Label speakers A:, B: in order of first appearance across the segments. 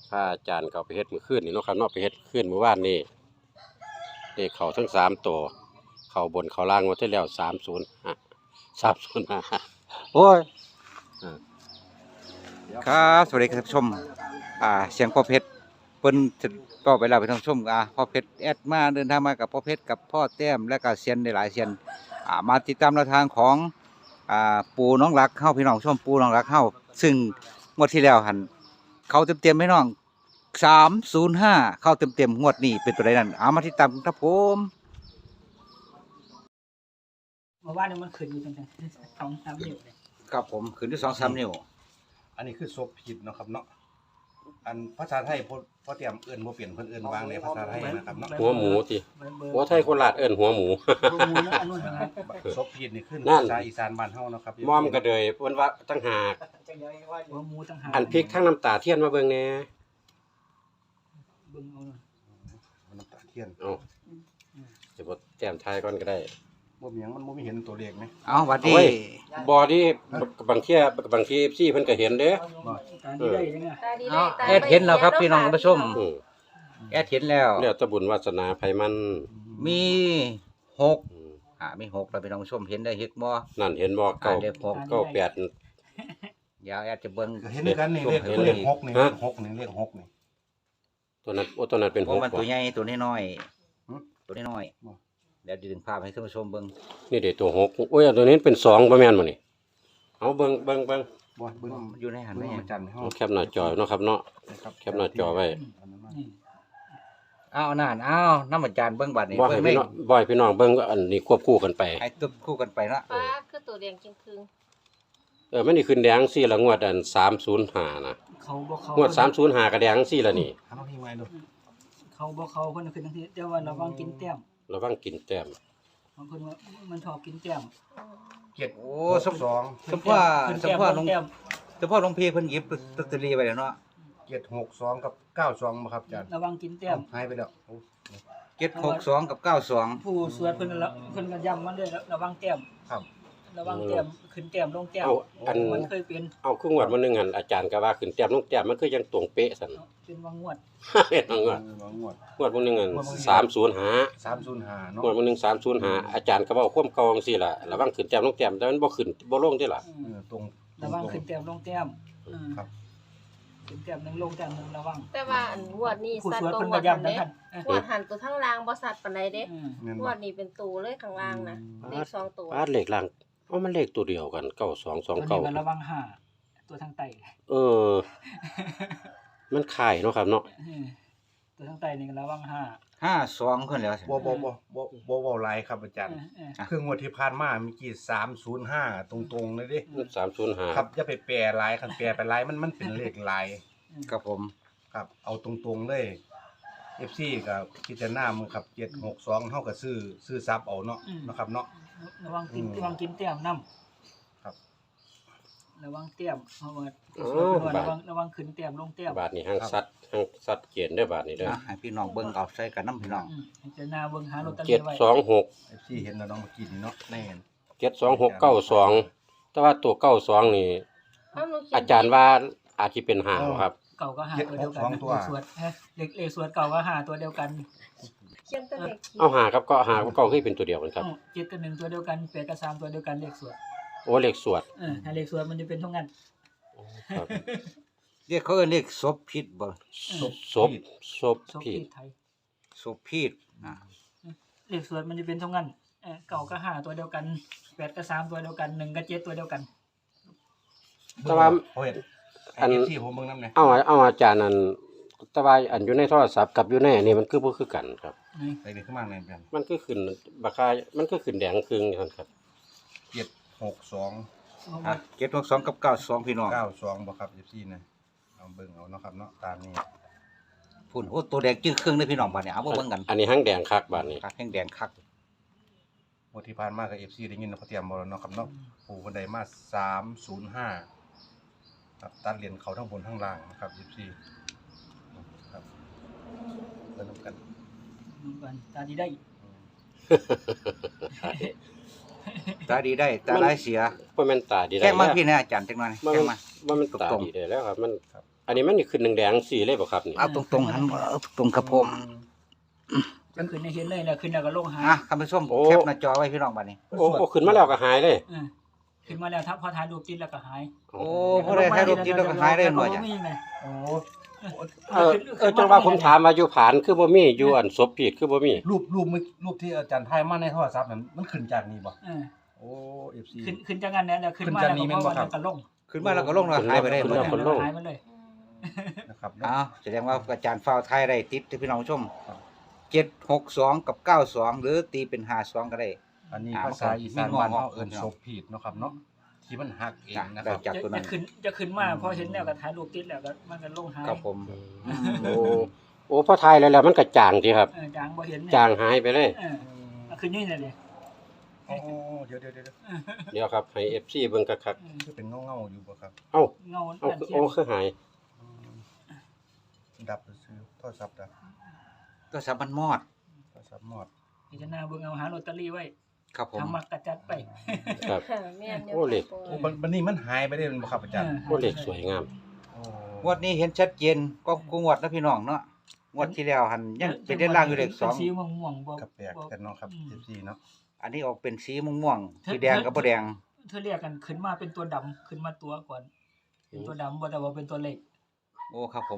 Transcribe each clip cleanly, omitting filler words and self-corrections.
A: พาอาจารย์เขาไปเฮ็ดมื้อคืนนี่เนาะครับเนาะไปเฮ็ดคืนเมื่อวานนี้เลขเข้าทั้ง3ตัวเข้าบนเข้าล่างหมดที่แล้ว305โอ้ย
B: ครับสวัสดีครับท่านผู้ชมเสียงพ่อเพชรเพิ่นจะก็ไปแล้วไปท่านผู้ชมพ่อเพชรแอดมาเดินทางมากับพ่อเพชรกับพ่อแต้มและก็เซียนหลายๆเซียนมาติดตามแนวทางของปู่น้องรักเข้าพี่น้องชมปู่น้องรักเข้าซึ่งงวดที่แล้วหันเขาเต็มๆให้น้อง305เข้าเต็มๆงวดนี้เป็นตัวใดนั่นมาติดตามครับผม
C: เมื่อวานนี้มันขึ้นอยู่ตั้งแต่2-3 นิ้วเลย
B: ครับผมขึ้นที่2-3 นิ้ว
D: อันนี้คือศพผิดเนาะครับเนาะอันภาษาไทยพอเตรียมเอื้อนบ่เปลี่ยนเพิ่นเอื้อนวางในภาษาไทยนะครับเนาะ
A: หัวหมูติ
C: เบอร์
A: หัวไทยโคราชเอิ้นหัวหมู
C: หัวหมูนะอันนู้นนะครับ
D: ศพผิดนี่ขึ้น
A: นั่น
D: ภาษาอีสานบ้านเฮาเนาะครับ
A: มอมก็เลยเพิ่นว่าตั้งหาก
C: หัวหมูต่างหาก
A: อันพริกทั้งน้ำตาเทียนมาเบิ่งแหน่
C: เบิ่งเอาหน่อย
D: มันน้ำตาเทียน
A: เอ้าจะบ่แต้มทายก่อนก็ได้
D: บ่มีหยังมันบ่มีเห็นตัวเลขไหม
B: เอาหวัดดี
A: โอ้ย บ่ที่บางที FC เพิ่นก็เห็นเด้
C: ตาดีได้ยังไง
B: เอาแอดเห็นแล้วครับพี่น้องท่านผู้ชม
A: อือ
B: แอดเห็นแล้ว
A: แล้วแต่บุญวาสนาไผมัน
B: มี6
A: อืม
B: มี6แล้วพี่น้องผู้ชมเห็นได้เฮ็ดบ่
A: นั่นเห็นบ่เก้า
B: เลข6
A: เก้าแปด
B: เดี๋ยวแอดจะเบิ่ง
D: ก็เห็นด้วยกันนี่เลข
B: เห็น
D: เลข6นี่
A: ฮะ
D: เลข6นี่เลข6นี่
A: ตัวนั้นตัวนั้นเป็น
B: เพราะมัน
A: 6
B: ตัวใหญ่ตัวน้อย
D: หึ
B: ๆตัวน้อย
D: บ่
B: ๆเดี๋ยวดึงภาพให้ท่านผู้ชมเบิ่ง
A: นี่เด้ตัว6โอ้ยอันตัวนี้เป็น2บ่แม่นบ่นี่เอาเบิ่ง
D: บ่เบิ่ง
B: มันอยู่ในหัน
D: เบิ่
B: แม่
D: งมาจันทร์ให้เฮา
A: เอาแคปหน้าจอเนาะครับเนาะ
D: นะครับ
A: แคปหน้าจอไว้
D: อันนั้นมา
C: นี่
B: อ้าวนั่นอ้าน้ำอาจารย์เบิ่งบัดนี้
A: บ่ให้
B: เบิ่ง
A: พี่น้องบ่ให้พี่น้องเบิ่งอันนี้ควบคู่กันไป
B: ให้ตึบคู่กันไปเนาะ
E: ฟ้าคือตัวแดงจึงคืง
A: มันนี่ขึ้นแดงซี่ละงวดอัน305นะ
C: เขาบ่เขา
A: งวด305ก็แดงซี่ละนี่
D: หาน้องที่ไว้ดู
C: เขาบ่เขาเพิ่นขึ้นทั้งทีแต่ว่าระวังกินแต้ม
A: ระวังกินแต้ม
C: บางคนว่ามันชอบกินแต้ม
D: 7
B: โอ้สม
D: 2
B: สมพ่อ
C: ขึ้น
B: สม
C: แต้ม
B: พ่อ
C: ล
B: ล
C: ง
B: ง
C: แต้ม
B: สมพ่อลงพีเพิ่นหยิบลอตเตอรี่ไว้แล้วเนาะ
D: 762กับ92บ่ครับอาจารย์
C: ระวังกินแต้ม
D: หายไปแล้วโอ้
B: 762กับ92
C: ผู้สวดเพิ่นก็ย้ำมันด้วยระวังแต้ม
D: ครับ
C: ระวังแต้มขึ้นแต้มลงแต้ม
A: เอาอัน
C: มันเคยเป็น
A: เอาครึ่งงวดมื้อนึงหั่นอาจารย์ก็ว่าขึ้นแต้มลงแต้มมันคือยังตรงเป๊ะซั่น
C: เป็นวังงวด
A: เฮ็ดงวด
D: งวด
A: งวดมื้อนึงอัน305
D: 305เนาะ
A: งวดมื้อนึง305อาจารย์ก็เว้าความเก่าจังซี่ล่ะระวังขึ้นแต้มลงแต้มแต่มันบ่ขึ้นบ่ลงเด้ล่ะ
D: ตรง
C: ระวังขึ้นแต้มลงแต้ม
D: ครับ
C: ขึ้นแต้มหนึงลงแต้มหนึงระวัง
E: แต่ว่าอันงวดนี้
C: ผู้
E: สัต
C: ส
E: ว์
C: วด
E: ตัว
C: เพิ่น
E: งว
C: ก็
E: ดหัน
C: ย้ำทั้ง
E: เด้
C: คัน
E: งวดหันตัวทั้งล่างบ่สัตว์ปานใดเด้
D: แม่น
E: ง
D: บ่
E: วดนี้เป็นตูเลยข้างล่างนะเลข2ตัว
A: ปาดเลขล่างเอามันเลขตัวเดียวกัน
C: ตัวนี้ก็ระ
A: 9229
C: วังห้าตัวทางใต้
A: เออ มันคล้ายเนาะครับเนาะ
C: ตัวทางใต้นี่ก็ระวังห้า
B: 52เพิ่นแล้ว
D: บ่เว้าหลายครับอาจารย์ คืองวดที่ผ่านมาเมื่อกี้305ตรงๆเลยเด้
A: 305
D: ครับอย่าไปแปรหลายคันแปรไปหลายมันเป็นเลขหลาย
B: ครับผม
D: ครับ เอาตรงๆเลย FC ก็พิจารณามึงครับ762เฮาก็ซื้อซับเอาเนาะนะครับเนาะ
C: ระวังกินแต้มนำ
D: ครับ
C: ระวังแต้มเพราะว่า
A: บาท
C: ระวังขึ้นแต้มลงแต้ม
A: บาทนี้ห้างสัตว์เกียนเด้อบาทนี้เด้อ
B: ให้พี่น้องเบิ่งเอาใส่กันนํพี่น้อง
C: ให้เจาหน้าเบิ่งหาลอตเตอรี่ไว้
A: 726
D: FC เห็นแล้วเนาะเมื่อกี้นี่เนาะแน่น
A: 72692แต่ว่าตัว92นี่
E: เอาหนูเขียน
A: อาจารย์ว่าอาจสิเป็น5บ่ครับ
C: เก่าก็หาตัวเดียวกันเลขสวดเลขสวดเก่าก็หาตัวเดียวกัน
E: เขียนตัวเลขขีด
A: เอาหากับก็หากับเก็คือเป็นตัวเดียวกันครับ
C: 7กับ1ตัวเดียวกัน8กับ3ตัวเดียวกันเลขสวด
A: โอ้เลขสวด
C: ถ้าเลขสวดมันจะเป็นเท่านั้น
A: ครับ
B: เรียกเขาเอิ้นเรียกศพผิดบ่
A: ศพ
C: โชค
A: ผิด
C: ไทย
B: ศพผิด
C: เลขสวดมันจะเป็นเท่านั้นเก่าก็หาตัวเดียวกัน8กับ3ตัวเดียวกัน1กับ7ตัวเดียวกัน
A: แต่ว่า
D: โอ้ย
A: อัน
D: FC ผมเบิ่งนำแน่
A: เอาอาจารย์นั่นแต่ว่าอันอยู่ในโทรศัพท์กับอยู่ในอันนี้มันคือบ่คือกันครับ
C: นี่
D: ไปเด็กขึ้นมาแน่น
A: มันคือขึ้นบักคามันคือขึ้นแดงครึ่งนั่นครับ
D: 762
B: 762กับ92พี่น้อง
D: 92บ่ครับ FC นะเอาเบิ่งเอาเนาะครับเนาะตามนี้
B: พุ่นโอ้ตัวแดงจึ้งครึ่งเลยพี่น้องบัดนี้เอามาเบิ่งกัน
A: อันนี้ห้างแดงคักบาทนี้
B: คักแห้งแดงคัก
D: งวดที่ผ่านมาก็ FC ได้ยินเนาะเขาเตรียมบ่แล้วเนาะครับเนาะปู่เพิ่นได้มา305ครับตัดเหรียญเขาทั้งบนทั้งล่างนะครับ FC ครับเพิ่นนำกัน
C: ดูกันตาดีได้
B: ตาดีได้ตาร้ายเสีย
A: บ่แม่นตาดีได้
B: แค่มา
A: แล้ว
B: พี่นะอาจารย์จังหน่อย
A: บ่
B: แค่
A: แม่น
B: มา
A: บ่แม่นตา
B: ตรงๆ
A: ดีได้แล้วครับ มันอันนี้มันนี่ขึ้นแดงๆสีเลยบ่ครับนี่
B: เอาตรงๆหันตรงกระผม
C: จะขึ้นให้เห็นเลยแล้วขึ้นแล้วก็ลงหาย
B: ท่านผู้ชมแคปหน้าจอไว้พี่น้องบัดนี้
A: โอ้ขึ้นมาแล้วก็หายเลย
C: ขึ้นมาแล้วถ้าพอถ่ายรูปติดแล้วก็หาย
B: โอ้พอได้ถ่ายรูปติดแล้วก็หายได้หน่อยจ้ะ
D: โอ้
A: จังว่าผมถามว่าอยู่ผานคือบ่มีอยู่อันศพผิดคือบ่มี
D: รูปที่อาจารย์ถ่ายมาในโทรศัพท์นั้นมันขึ้นจากนี้บ่โอ้ FC
C: ขึ้นจากนั้นแล้วขึ้นมาแล้วก็ลง
B: ขึ้นมาแล้วก็ลงแล้วหายไปได้หมด
A: ขึ้นแล้ว
C: หายไปเลย
D: นะครับ
B: อ้าวแสดงว่าอาจารย์ฟ้าวไทยได้ติดที่พี่น้องผู้ชม762กับ92หรือตีเป็น52ก็ได้
D: อันนี้ภาษาอีสานบ้านเฮาเอิ้นศพผิดเนาะครับเนาะที่มันหักเองนะค
B: ได้
D: รับ
B: จากตัวนั้น
C: จะขึ้นมาพอเห็นแล้วก็ถ่ายรูปติดแล้วก็มันก็ลงหาย
B: ครับผม
A: โอ้พอทายแล้วมันก็จางสิครับ
C: จางบ่เห็น
A: จางหายไปเลย
C: ขึ้นนี่เลย
D: โอ้เดี๋ยว
A: เดี๋ยวครับให้ FC เบิ่งคัก
D: คือเป็นเงาๆอยู่บ่ครับ
A: ๆเอ้า
C: เงา
A: เอาโอ้คือหาย
D: ดับซื้อโทรศัพท์ดับ
B: ก็สามันมอด
D: โทรศัพท์หมด
C: พิจารณาเบิ่งเอาหาลอตเตอรี่ไว้
B: ครับผม
C: ทำมักกระจัดไป
A: ครับ
E: แม่นอยู่
A: โอ้เหล็ก
E: ค่ะ
D: โอ้บัดนี้มันหายไปได้บ่ครับอาจารย์
A: โอ้เลขสวยงาม
D: โอ้
B: งวดนี้เห็นชัดเจนก็งวดนะพี่น้องเนาะงวดที่แล้วหันยังเป็นเด่นล่างอยู่เลข
C: เป็นสีม่วงๆบ่
D: กับแปลกกันเนาะครับ FC เนาะ
B: 2อันนี้ออกเป็นสีม่วงๆสีแดงกับบ่แดง
C: เธอเรียกกันขึ้นมาเป็นตัวดำขึ้นมาตัวก่อนเป็นตัวดำบ่แต่ว่าเป็นตัวเล็ก
B: โอ้ครับผม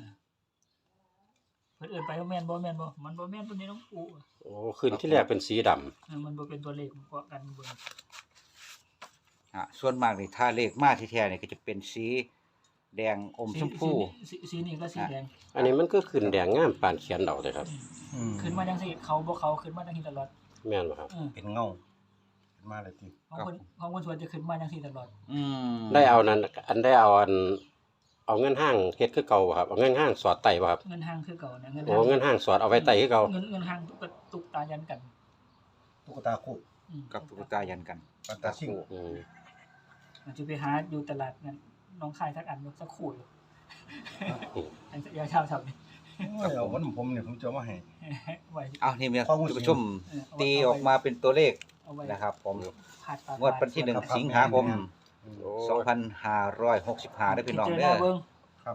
C: เพิ่นเอิ้นไปว่าแม่นบ่แม่นบ่มันบ่แม่นตัวนี้น้องปู่
A: โอ้ขึ้นที่แรกเป็นสีดำ
C: มันบ่เป็นตัวเลขเกาะกันเบิ่ง
B: ส่วนมากนี่ถ้าเลขมาที่แท้นี่ก็จะเป็นสีแดงอมชมพู
C: สีนี้ก็สีแดง
A: อันนี้มันก็ขึ้นแดงงามปานเขียนดอกเลยครับ
C: ขึ้นมาจังซี่เขาบ่เขาขึ้นมาจังซี่ตลอด
A: แม่นบ่ครับ
D: เป็นเงาขึ้นมาเลยติ
C: ของคนสวนจะขึ้นมาจังซี่ตลอด
A: ได้เอานั้นอันได้เอาอันเอาเงินห้างเฮ็ดคือเก่าบ่ครับเอาเงินห้างสอดไต่บ่ครับ
C: เงินห้างคือเก่านะ
A: โอ้เงินห้างสอดเอาไว้ไต่คือเก่า
C: เงินห้างตุกตายันกัน
D: ตุ๊กตาคู่
B: กับตุ๊กตายันกัน
D: ปันตาซิ่ง
A: อืม
C: มันจะไปหาอยู่ตลาดนั้นน้องคายทักอันสักคู่อยู่อันยาชาวทับนี่
D: เอาวันผมเนี่ยผมจะเอามาให้
C: ไว้
B: เอานี่มี
D: ข้อมูล
B: ท่านผู้ชมตีออกมาเป็นตัวเลข
C: เอาไว้
B: นะครับผม
C: ผ่าตาง
B: วดวันที่1สิงหาคม
A: โอ้
B: 2565ได้พี่น้องเด้อ
D: ครับ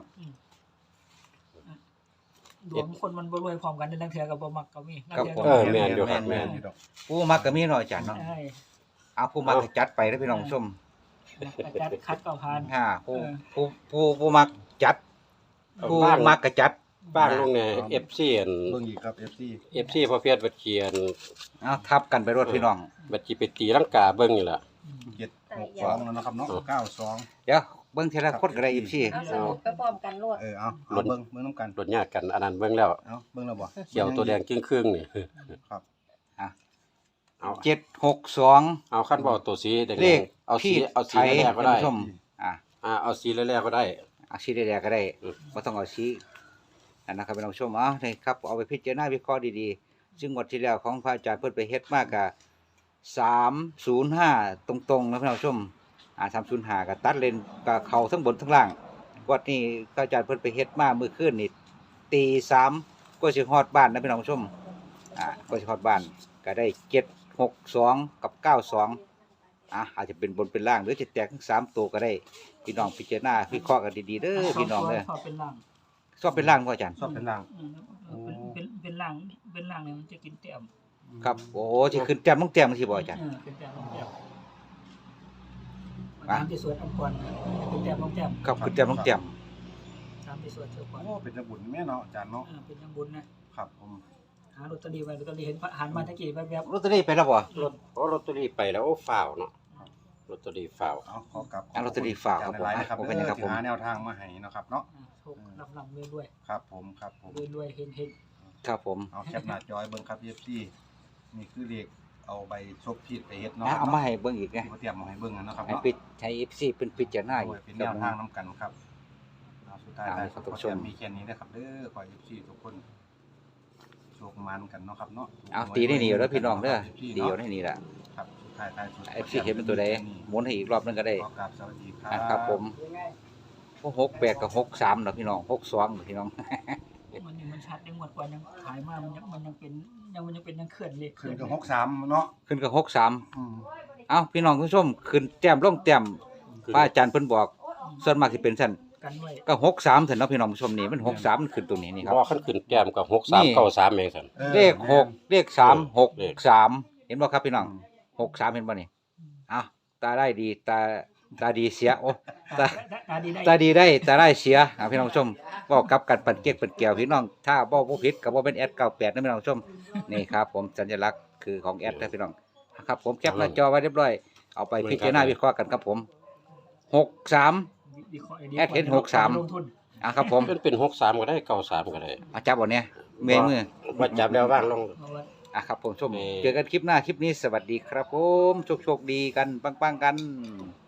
C: ดวงคนมันบ่รวยพร้อมกันในลังเทือกับบ่มักก็มี
A: แม่นอยู่ครับแม่น
D: ดอก
B: ผู้มักก็มีเนาะอาจารย์เนาะ
C: ใช่
B: เอาผู้มักก็จัดไปได้พี่น้องผู้ชม
C: จัดคัดก็ผ่าน
B: ผู้มักจัดผู้มักก็จัด
A: บ้างลงใน FC อัน
D: เบิ่งอีกครับ FC
A: FC พอเพียรบัดเขียน
B: เอาทับกันไปรถพี่น้อง
A: บัดสิไปตีลังกาเบิ่งนี่ล่ะ
D: 762แล้วนะครับเนาะ92
B: เดี๋ยวเบิ่งทีละคนก็ได้อีกพี่
E: เอาสรุปไปพร้อมกันรวด
D: เอาเบิ่งนำกัน
A: รถญาติกันอันนั้นเบิ่งแล้ว
D: เอาเบิ่งแล้วบ่
A: เขียวตัวแดงครึ่งๆนี่
D: ครับ
A: เอา
B: 762
A: เอาคันบ่เอาตัวสีแดง
B: เลข
A: เอาสี
B: ที่
A: เอาสี
B: ไทย
A: แรกๆก็ได้
B: ท่านผู้ชมอ่ะ
A: เอาสีแรกๆก็ได้
B: เอาสีแดงๆก็ได้บ่ต้องเอาสีนั่นนะครับพี่น้องผู้ชมเอานี่ครับเอาไปพิจารณาวิเคราะห์ดีๆซึ่งงวดที่แล้วของพระอาจารย์เพิ่นไปเฮ็ดมากก็305ตรงๆนะพี่น้องผู้ชม305ก็ตัดเลนก็เข้าทั้งบนทั้งล่างงวดนี้พระอาจารย์เพิ่นไปเฮ็ดมามื้อคืนนี่ตี3ก็สิฮอดบ้านนะพี่น้องผู้ชมก็สิฮอดบ้านก็ได้762กับ92อาจจะเป็นบนเป็นล่างหรือจะแตกทั้ง3ตัวก็ได้พี่น้องพิจารณาวิเคราะห์กันดีๆเด้อพี่น้องเด้อ
C: ชอบเป็นล่าง
B: ชอบเป็นล่างบ่อาจารย์
D: ชอบเป็นล่าง
C: เป็นล่างเนี่ยมันจะกินเต็ม
B: ครับโอ้โหสิขึ้นแต้มลงแต้มสิบ่อาจารย์
C: เป็นแต้มลงแต้มตามที่สวดอันก่อนเป็นแต้มลงแต้ม
B: ครับขึ้นแต้มลงแต้ม
C: ตามที่สวดเจ้าก่อน
D: โอ้เป็นจังบุญแม่เนาะอาจารย์เนาะ
C: เป็นยังบุญนะครับ
D: ผม
C: หาลอตเตอรี่ไว้ลอตเตอรี่เห็นหันมาตะกี้แวบ
B: ลอตเตอรี่ไปแล้วบ่
A: รถโอ้ลอตเตอรี่ไปแล้วโอ้ฟ้าวเนาะลอตเตอรี่ฟ้าว
D: เอาขอกลับ
B: ลอตเตอรี่ฝากครับผม
D: หลายๆนะครับ
B: ผมเป็นหยังครับผม
D: ที่หาแนวทางมาให้เนาะครับเนาะ
C: ๆโชคลำๆรวย
D: ครับผมครับผม
C: ๆรวยๆเฮง
B: ครับผม
D: เอาแคปหน้าจอยเบิ่งครับ FC นี่คือเลขเอาใบซบผิดไปเฮ็ดเนาะ
B: เอามาให้เบิ่งอีกนะ
D: ที่เขาเตรียมมาให้เบิ่งนะครับ
B: ให้
D: เนาะ
B: ปิดให้ FC เป็นพิจารณา
D: โอ้ยเป็นแนวทางนํกันครับเอาสุดท้าย
B: เอา
D: ได้
B: ครับ
D: ขอ
B: ท่านผู้ช
D: เตรีย
B: ม
D: มมีแค่นี้นะครับเด้อขอ FC ทุกคนโชคมันกันเนาะครับเนาะ
B: เอาตีได้นี่อยู่แล้วพี่น้องเด้อตีอยู่ได้นี่ล่ะ
D: ครับสุดท้ายท้ายสุด
B: FC เห็นเป็นตัวใดหมุนให้อีกรอบนึงก็ได้
D: ขอกราบสวัสดีครับ
B: ครับผม68กับ63เนาะพี่น้อง62เนาะพี่น้อง
C: ๆมันชัดยังหมดกว่ายังขายมามันยังเป็นยังเคลื่อนเลข
D: ขึ้นกับ63เนาะ
B: ขึ้นกับ63
D: อืม
B: เอ้าพี่น้องผู้ชมขึ้นแต้มลงแต้มพระอาจารย์เพิ่นบอกส่วนมากสิเป็นซั่น
C: กันไว้
B: ก็63ถึงเนาะพี่น้องผู้ชมนี่มัน63มันขึ้นตัวนี้นี่ครับ
A: บ่ขั้นขึ้นแต้มกับ
B: นี่
A: 6393เองซั่น
B: เลข6เลข3
A: เลข
B: 6 3เห็นบ่ครับพี่น้อง63เห็นบ่นี่อ้าวตาได้ดีตาดีเสียโอ้ตา
C: ดีได้
B: ตาดีได้ตาได้เสียพี่น้องผู้ชมเว้ากลับกันปั่นเก๊กปั่นแก้วพี่น้องถ้าบ่ผิดก็บ่เป็นแอด98นะพี่น้องผู้ชมนี่ครับผมสัญลักษณ์คือของแอดนะพี่น้องครับผมแคปหน้าจอไว้เรียบร้อยเอาไปพิจารณาวิเคราะห์กันครับผม63 แอดเห็น63
C: ลงทุน
B: ครับผม
A: เป็น63ก็ได้93ก็ได้
B: อาจับบ่เนี่ยเมยมือ
A: ว่าจับแล้วว่างลง
C: เอาไว้
B: ครับผมชม
A: นี่
B: เจอกันคลิปหน้าคลิปนี้สวัสดีครับผมโชคดีกันปังๆกัน